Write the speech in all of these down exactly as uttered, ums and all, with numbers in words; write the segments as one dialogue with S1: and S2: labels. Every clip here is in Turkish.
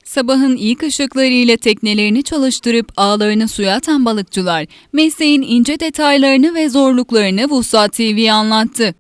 S1: Sabahın ilk ışıklarıyla teknelerini çalıştırıp ağlarını suya atan balıkçılar, mesleğin ince detaylarını ve zorluklarını Vuslat T V'ye anlattı.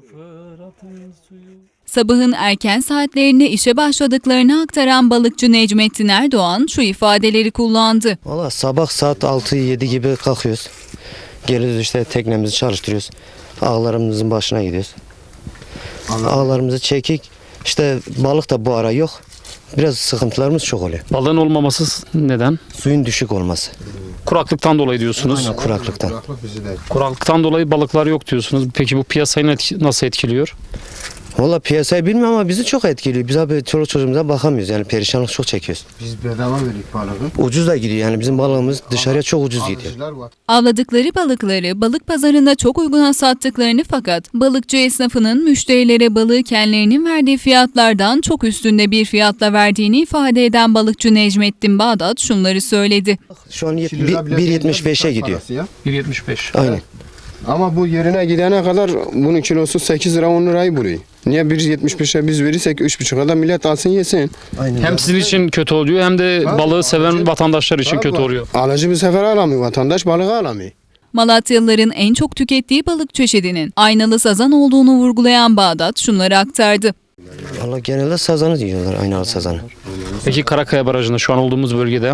S1: Sabahın erken saatlerinde işe başladıklarını aktaran balıkçı Necmettin Erdoğan şu ifadeleri kullandı.
S2: Valla sabah saat altı yedi gibi kalkıyoruz. Geliyoruz işte teknemizi çalıştırıyoruz. Ağlarımızın başına gidiyoruz. Ağlarımızı çekik. İşte balık da bu ara yok. Biraz sıkıntılarımız çok oluyor.
S3: Balığın olmaması neden?
S2: Suyun düşük olması.
S3: Kuraklıktan dolayı diyorsunuz.
S2: Aynen, kuraklıktan.
S3: Kuraklıktan dolayı balıklar yok diyorsunuz. Peki bu piyasayı etki- nasıl etkiliyor?
S2: Valla piyasayı bilmiyorum ama bizi çok etkiliyor. Biz abi çoluk çocuğumuza bakamıyoruz. Yani perişanlık çok çekiyoruz.
S4: Biz bedava verdik balığı.
S2: Ucuz da gidiyor yani bizim balığımız dışarıya çok ucuz gidiyor.
S4: Alıcılar var.
S1: Avladıkları balıkları balık pazarında çok uyguna sattıklarını fakat balıkçı esnafının müşterilere balığı kendilerinin verdiği fiyatlardan çok üstünde bir fiyatla verdiğini ifade eden balıkçı Necmettin Bağdat şunları söyledi.
S2: Şu an
S4: iki lira bile
S2: bir yetmiş beşe
S4: değil,
S2: gidiyor.
S4: parası ya.
S3: bir yetmiş beş.
S2: Aynen.
S4: Ama bu yerine gidene kadar bunun kilosu sekiz lira on lirayı buluyor. Niye bir yetmiş beşe biz verirsek üç buçuğa da millet alsın yesin.
S2: Aynen.
S3: Hem sizin için kötü oluyor hem de
S4: Tabii,
S3: balığı seven
S4: alıcı-
S3: vatandaşlar için
S4: Tabii.
S3: kötü oluyor.
S4: Alıcı bir sefer alamıyor, vatandaş balığı alamıyor.
S1: Malatyalıların en çok tükettiği balık çeşidinin aynalı sazan olduğunu vurgulayan Bağdat şunları aktardı.
S2: Valla genelde sazanı diyorlar, aynalı sazanı.
S3: Peki Karakaya Barajı'nda şu an olduğumuz bölgede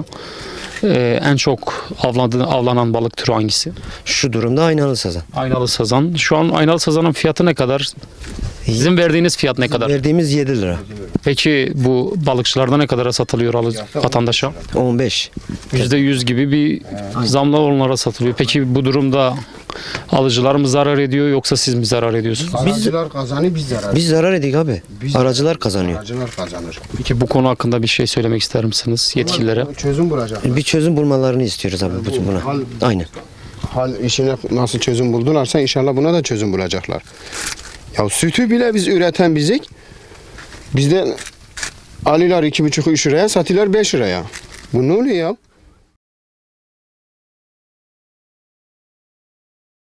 S3: e, en çok avlanan, avlanan balık türü hangisi?
S2: Şu durumda aynalı sazan.
S3: Aynalı sazan. Şu an aynalı sazanın fiyatı ne kadar? Sizin verdiğiniz fiyat ne kadar?
S2: Verdiğimiz yedi lira.
S3: Peki bu balıkçılarda ne kadara satılıyor alıcı, vatandaşa?
S2: on beş.
S3: yüzde yüz gibi bir zamla onlara satılıyor. Peki bu durumda alıcılar mı zarar ediyor yoksa siz mi zarar ediyorsunuz?
S4: Aracılar kazanıyor, biz zarar.
S2: Biz zarar edik abi.
S4: Biz-
S2: Aracılar kazanıyor.
S4: Aracılar kazanır.
S3: Peki bu konu hakkında bir şey söylemek ister misiniz yetkililere?
S4: Çözüm bulacaklar.
S2: Bir çözüm bulmalarını istiyoruz abi bu- buna. Aynen.
S4: Hal işine nasıl çözüm buldularsa inşallah buna da çözüm bulacaklar. Ya sütü bile biz üreten bizik. Bizden alıyorlar iki buçuk üç liraya, satıyorlar beş liraya. Bu ne oluyor ya?